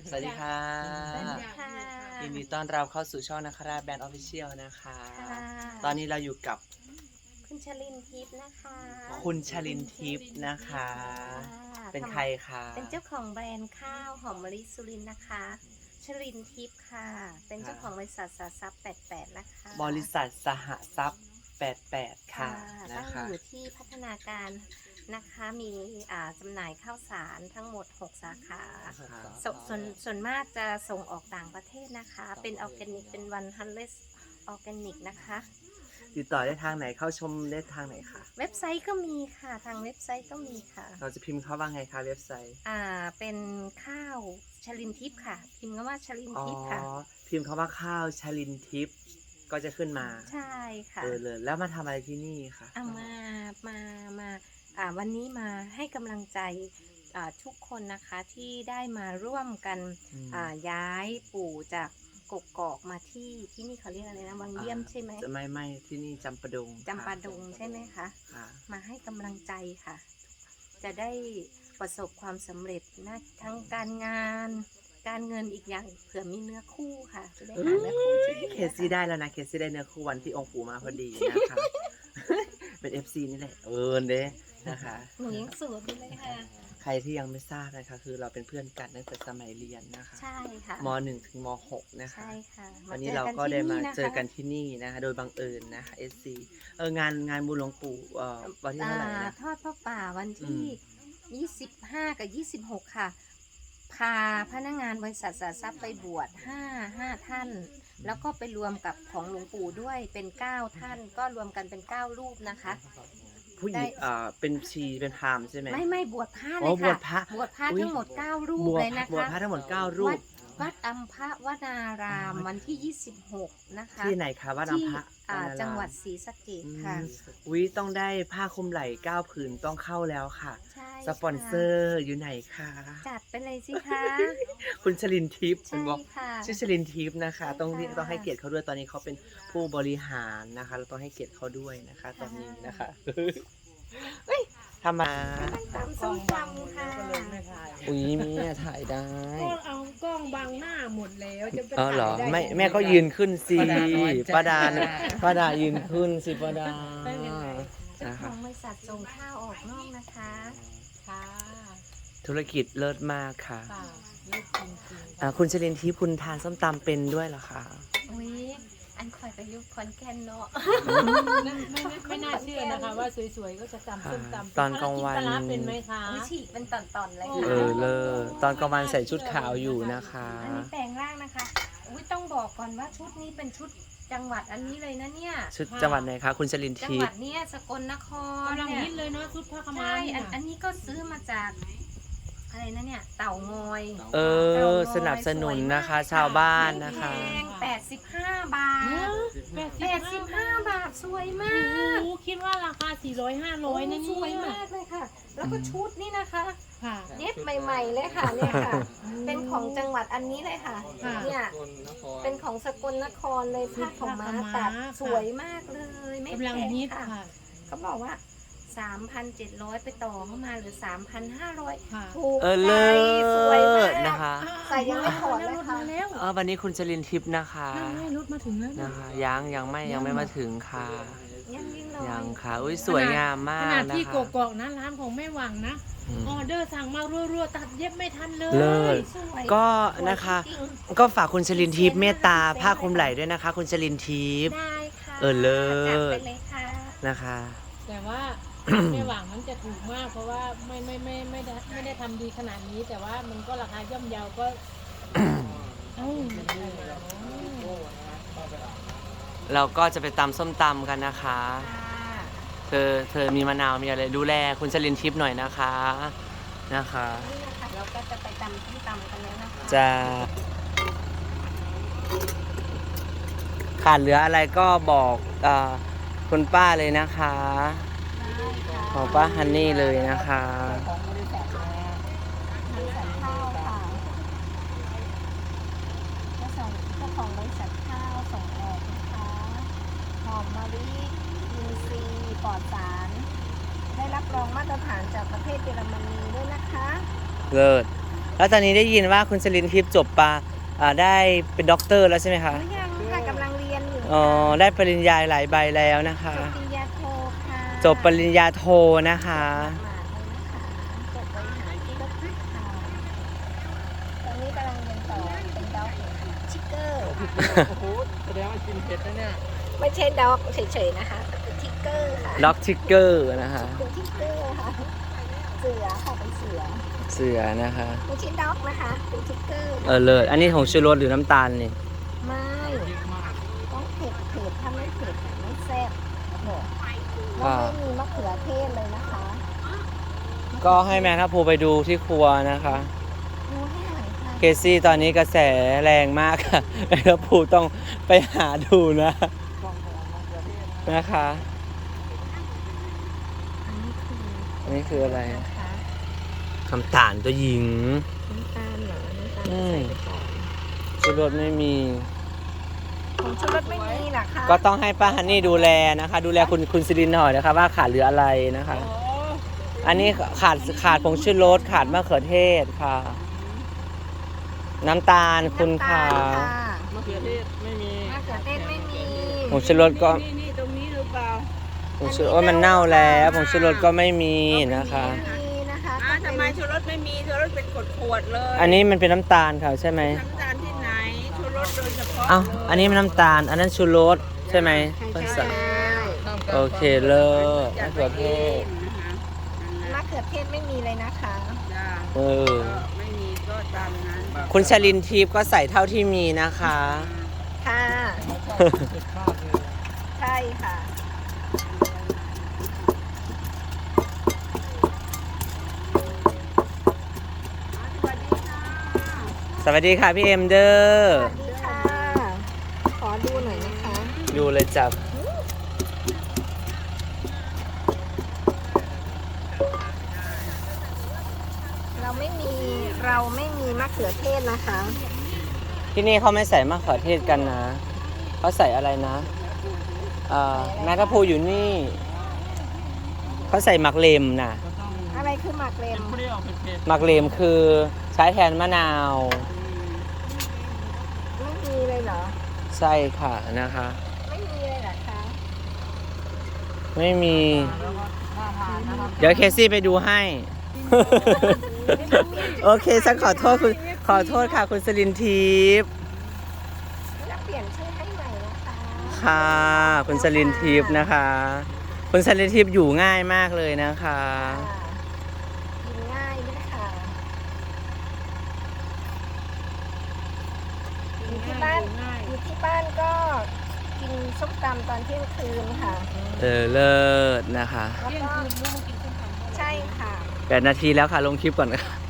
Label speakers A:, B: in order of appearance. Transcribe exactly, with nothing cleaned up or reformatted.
A: สวัสดีค่ะ
B: สวัสดีค่ะ
A: ยินดีต้อนรับเข้าสู่ช่องนะครับแบรนด์ออฟฟิเชียลนะคะ
B: ค่ะ
A: ตอนนี้เราอยู่กับ
B: คุณชลินทิพย์นะคะ
A: คุณชลินทิพย์นะคะ
B: ค่ะ
A: เป็นใครคะ
B: เป็นเจ้าของแบรนด์ข้าวหอมมะลิสุรินทร์นะคะ ชลินทิพย์ค่ะ เป็นเจ้าของบริษัทสาทรัพย์แปดแปดนะคะ
A: บริษัทสหทรัพย์แปดแปดค่ะนะ
B: ตั้ง
A: คะ
B: อยู่ที่พัฒนาการนะคะ มีอ่าจำหน่ายข้าวสารทั้งหมดหกสาขา สส่วนส่วนมากจะส่งออกต่างประเทศนะคะ เป็นออร์แกนิก เป็นวันฮันเลสออร์แกนิกนะคะ
A: ติดต่อได้ทางไหนเข้าชมได้ทางไหนคะ
B: เว็บไซต์ก็มีค่ะ ทางเว็บไซต์ก็มีค่ะ
A: เราจะพิมพ์เข้าว่าไงคะเว็บไซต์
B: อ่า เป็นข้าวชลินทิพย์ค่ะ พิมพ์คำว่าชลิน
A: อ๋อ
B: ทิพย์ค่ะ
A: พิมพ์คำว่าข้าวชลินทิพย์ก็จะขึ้นมา
B: ใช่ค่ะ
A: เออเลยแล้วมาทำอะไรที่นี่คะ
B: เอามา มา มา อ่า วันนี้มาให้กำลังใจ อ่า ทุกคนนะคะที่ได้มาร่วมกัน
A: อืม
B: อ่า ย้ายปู่จากกกอกมาที่ที่นี่เขาเรียกอะไรนะ วังเยี่ยมใช่ไหม
A: จะไม่ไม่ที่นี่จำปาดง
B: จำปาดงใช่ไหมคะ
A: ค่ะ
B: มาให้กำลังใจค่ะ จะได้ประสบความสำเร็จนะทั้งการงาน การเงินอีกอย่างเผื่อมีเนื้อคู่ค่ะ จะได้หาเนื้อคู่ที่ดี
A: เคสซี่ได้แล้วนะเคสซี่ได้เนื้อคู่วันที่องค์ปู่มาพอดีนะคะ เป็น เอฟ ซี นี่แหละเออเด้นะคะ
B: หนูยังสวยอยู่เลยค่ะ
A: ใครที่ยังไม่ทราบนะคะ คือเราเป็นเพื่อนกันตั้งแต่สมัยเรียนนะคะ
B: ใช่ค่ะ
A: ม หนึ่ง ถึงม หก นะคะ
B: ใช่ค่ะ
A: วันนี้เราก็ได้มาเจอกัน
B: ที่
A: ที่นี่นะคะ โดยบังเอิญนะคะ เอฟ ซี เอองานงานบุญหลวงปู่เอ่อวันที่
B: อ่า
A: เท่าไหร่นะ
B: ทอดพระป่าวันที่
A: อืม
B: ยี่สิบห้า กับ ยี่สิบหก ค่ะ พาพนักงานบริษัทสาทรัพย์ไปบวชห้า ห้าท่าน แล้วก็ไปรวมกับของหลวงปู่ด้วยเป็นเก้าท่าน ก็รวมกันเป็นเก้ารูปนะคะ
A: ผู้หญิง
B: ได้
A: เอ่อเป็นชีเป็นพราหมณ์ใช่ไหม
B: ไม่ไม่บวชพระเล
A: อ๋อย บว
B: ค่ะ
A: ชพระ
B: บวชพระ
A: อุ๊ย
B: ทั้งหมดเก้ารูป
A: บวช
B: เลยนะ
A: บวช
B: คะ
A: พระทั้งหมดเก้ารู
B: วั
A: ป
B: ดวัดอัมพวนารามวันที่ยี่สิบหกนะคะ
A: ที่ไหนคะวัดอัม
B: ที่
A: พะ
B: อ่าว
A: ราราม
B: จังหวัดศรีสะเกษ
A: อืม
B: ค่ะ
A: อุ๊ยต้องได้ผ้าคลุมไหล่เก้าผืนต้องเข้าแล้วค่ะ
B: ใช่
A: สปอนเซอร์อยู่ไหนคะ
B: จัดไปเลยสิคะ
A: คุณชลินทิพย์คุ
B: ใช่
A: ณบอก
B: ค่ะ
A: ชื่อชลินทิพย์นะคะ
B: ใช่
A: ต้อง
B: ค่ะ
A: ต้องให้เกียรติเขาด้วยตอนนี้เขาเป็นผู้บริหารนะคะ เราต้องให้เกียรติเขาด้วยนะคะ ตอนนี้นะคะเฮ้ยทำมา
B: ตามส้มตำค่ะ
A: อุ้ยแม่ถ่ายได้
C: ก็เอากล้องบังหน้าหมดแล้วจะไป
A: เออเหรอ
C: ถ่ายได้
A: ไม่
C: ยังง
A: แม่ก็ยืนขึ้นสิ
D: ป้าดาน้อยจ้ะ
A: ป้าดาป้าดายืนขึ้นสิป้าดา
B: เจ้า
A: นะ
B: ข
A: คะ
B: องบริษัทส่งข้าวออกนอกนะคะ
C: ค่ะ
A: ธุรกิจเลิศมากค่ะ
C: ค่ะนี่จริงจริง
A: อ่าคุณชลินทิพย์คุณทานส้มตำเป็นด้วยเหรอคะ
B: อุ้ยอันคอยไปยุคคอนแก่นเนาะ
C: ไม่ไม่ไม่น่าเชื่อนะคะว่าสวยๆก็จะตำส้มตำ
A: ตอนกลางวัน
C: แล้กิปลาร้าเป็นไหมคะ
B: อุ้ยฉีกเป็นตอนๆเลย
A: เอ
B: ค่ะ
A: อเลอตอนกลางวันใส่ชุดขาวอยู่นะคะ
B: อันนี้แปลงร่างนะคะ อุ้ยต้องบอกก่อนว่าชุดนี้เป็นชุดจังหวัดอันนี้เลยนะเนี่ย
A: ชุดจังหวัดไหนคะคุณชลิน
B: จัง
A: ทิ
B: ห
A: พ
B: วัด
A: ย์
B: เนี้ยสกลนคร
C: กำลัง
B: เนี่ย
C: ฮิตเลยเนาะชุดผ้าขาวม้า
B: ใช่
C: เนี่
B: อั
C: ย
B: นอันนี้ก็ซื้อมาจากอะไรนะเนี่ย เต่างอย
A: เออ สนับสนุนนะคะ ชาวบ้านนะคะ
B: แพงแปดสิบห้าบาท
C: แปด
B: แปดสิบห้าบาทสวยมา
C: โอ้
B: ก
C: โหคิดว่าราคาสี่ร้อยห้าร้อยนะ
B: ส
C: เนี่
B: วย
C: ย
B: มากเลยค่ะ แล้วก็ชุดนี่นะคะ
C: ค่ะ
B: เย็บใหม่ ๆ เลยค่ะเนี่ยค่ะ เป็นของจังหวัดอันนี้เลยค่ะ
C: ค่ะ
B: เนี่ยเป็นของสกลนครเลยผ้าของม้าตัดสวยมากเลย ไม่
C: กำลัง
B: แพง
C: ฮิต
B: ค่ะ
C: ค่ะ
B: เขาบอกว่า สามพันเจ็ดร้อย ไปต่อเข้ามาเหรือ สามพันห้าร้อย
C: ค่ะ
B: ถูก
A: เออ
B: ใจ
A: เลิ
B: สวย
A: ศ
B: มาก
A: นะคะ
B: ใส่ยังไม่ถอดเลย
C: รถ
B: ค่ะ
C: มาแล้ว
A: เออวันนี้คุณชลินทิพย์นะคะ
C: นั่งให้รถมาถึงแล้วนะ
A: นะคะ ยังยังไม่ยังไม่มาถึงค่ะ
B: ยังยิ่งเล
A: ยัง
B: ย
A: ค่ะ อุ้ยสวยงามมา
C: ข
A: ก
C: นาด
A: นะ
C: ที่
A: คะ
C: กกอกนะร้านของแม่หวังนะ
A: อืม
C: ออเดอร์สั่งมารัวๆตัดเย็บไม่ทันเลย
A: เลิศ
B: สวย
A: ก็
B: สวย
A: นะคะ
B: จริง
A: ก็ฝากคุณชลินทิพย์เมตตาผ้าคลุมไหล่ด้วยนะคะ คุณชลินทิพย์
B: ได้ค่ะ
A: เออเลิศ
B: จัดไปเลยค่ะ
A: นะคะ
C: แต่ว่า แม่หวังนั้นจะถูกมาก เพราะว่าไม่ไม่ไม่ไม่ได้ไม่ได้ทำดีขนาดนี้ แต่ว่ามันก็ราคาย่อมเยาก็เอ้า
A: เราก็จะไปตำส้มตำกันนะคะ
B: ค่ะ
A: เธอเธอมีมะนาวมีอะไรดูแลคุณชลินทิพย์หน่อยนะคะนะคะ
B: นี่นะคะเราก็จะไปตำที่ตำกันแล้วนะคะ
A: จะขาดเหลืออะไรก็บอกเออคุณป้าเลยนะคะ
B: ได้ค่ะ
A: ของป้าฮันนี่เลยนะคะ
B: ของบริษัทนะบริษัทข้าวค่ะเจ้าของเจ้าของบริษัทข้าวส่งออกนะคะหอมมะลิอินทรีย์ปลอดสาร ได้รับรองมาตรฐานจากประเทศเยอรมนีด้วยนะคะ
A: เลิศแล้วตอนนี้ได้ยินว่าคุณสลินทิพย์จบปาอ่าได้เป็นด็อกเตอร์แล้วใช่ไหมคะ
B: หรือยังค่ะกำลังเรียนอยู่
A: อ๋อได้ปริญญาหลายใบแล้วนะคะ
B: จบปริญญาโทค่ะ
A: จบปริญญาโทนะคะ
B: จบบริหารธุรกิจค่ะตอนนี้กำลังเรียนต่อเป็นด็อกชิกเกอร์
D: โอ้โหแสดงว่ากินเผ็ดนะเนี่ย
B: ไม่ใช่ด็อกเฉยๆนะคะเป็นทิกเกอร์ค่ะ
A: ด็อกทิกเกอร์นะคะ
B: เป็นทิกเกอร์ค่ะเสือค่ะเป็นเสือ
A: เสือนะคะ
B: ไม่ใช่ด็อกนะคะเป็นทิกเกอร์
A: เออเลิศอันนี้ของชูรสหรือน้ำตาลนี่
B: ไม่ต้องเผ็ดเผ็ดถ้าไม่เผ็ดไม่แซ่บบอกแล้วไม่มีมะเขือเทศเลยนะคะ
A: ก็ให้แม่ทัพภูไปดูที่ครัวนะคะ
B: ดูให้หน่อยค่ะ
A: เคซี่ตอนนี้กระแสแรงมากค่ะแม่ทัพภูต้องไปหาดูนะนะคะ
B: อันนี้คือ
A: อันนี้คืออะไร
B: นะคะ
A: คำตาลตัวหญิง
B: น้ำตาลเหรอน้ำตาล
A: อืม
B: ใส่ไปก่อน
A: ชูรสไม่มี
B: ของชูรสไม่มีเหรอคะ
A: ก็ต้องให้ป้าฮันนี่ดูแลนะคะ ดูแลคุณคุณซิลินหน่อยนะคะ ว่าขาดเหลืออะไรนะคะ อันนี้ขาดขาดผงชูรสขาดมะเขือเทศค่ะ น้ำตาลคุณ
B: น้ำตา
A: ค่ะ
B: ลค่ะ
D: มะเขือเทศไม่มี
B: มะเขือเทศไม่มี
A: ผงชูรสก็
D: นี่นี่ตรงนี้หรือเปล่า
A: ผงชูรสมันเน่าแล้วผงชูรสก็ไม่มีนะคะ
B: ไม่มีนะคะ
E: อ้าวทำไมชูรสไม่มีชูรสเป็นขวดๆเลย
A: อันนี้มันเป็นน้ำตาลค่ะใช่ไหม
E: น้ำตาลที่ไหนชูรสโดยเฉพาะ
A: อ้าว
E: เลย
A: อันนี้มันน้ำตาล อันนั้นชูรสใช่ไหม
B: ใช่
A: โอเคเลิศมะเขือเทศ
B: มะเขือเทศไม่มีเลยนะคะ
E: จ้า
A: เออ
E: ก็ไม่มีก็ตามนั้น
A: คุณชลินทิพย์ก็ใส่เท่าที่มีนะคะ
B: ค่ะ ใช่ค่ะ
A: สวัสดีค่ะพี่เอ็มเดอ
B: ส
A: ร์
B: วัสดีค่ะ ขอดูหน่อยนะคะ
A: ดูเลยจับ
B: เราไม่มีเราไม่มีมะเขือเทศนะคะ
A: ที่นี่เขาไม่ใส่มะเขือเทศกันนะ เขาใส่อะไรนะเอ่อแมทัพพูอยู่นี่ เขาใส่หมักเลมนะ
B: อะไรคือหมักเลม
D: เปรี้ยวเผ็ด
A: หมักเลมคือใช้แทนมะนาว
B: ไม่มีเลยเหรอ
A: ใช่ค่ะนะคะ
B: ไม่มีเลยเหรอคะ
A: ไม่มี
D: ๆแล้วก็น่าทานนะครับ
A: เดี๋ยวเคซี่ไปดูให้ โอเคฉันขอโทษคุณขอโทษค่ะคุณสลินทิพย์
B: แล้วเปลี่ยนชื่อให้ใหม่นะคะ
A: ค่ะ คุณสลินทิพย์นะคะ คุณสลินทิพย์อยู่ง่ายมากเลยนะคะ
B: กินง่ายด้วยค่ะอยู่ที่บ้านอยู่ที่บ้านก็กินส้มตำตอนเที่ยงคืนค่ะ
A: เออเลิศนะคะ
B: แล้วก็ใช่ค่ะ
A: แปดนาทีแล้วค่ะ ลงคลิปก่อนค่ะ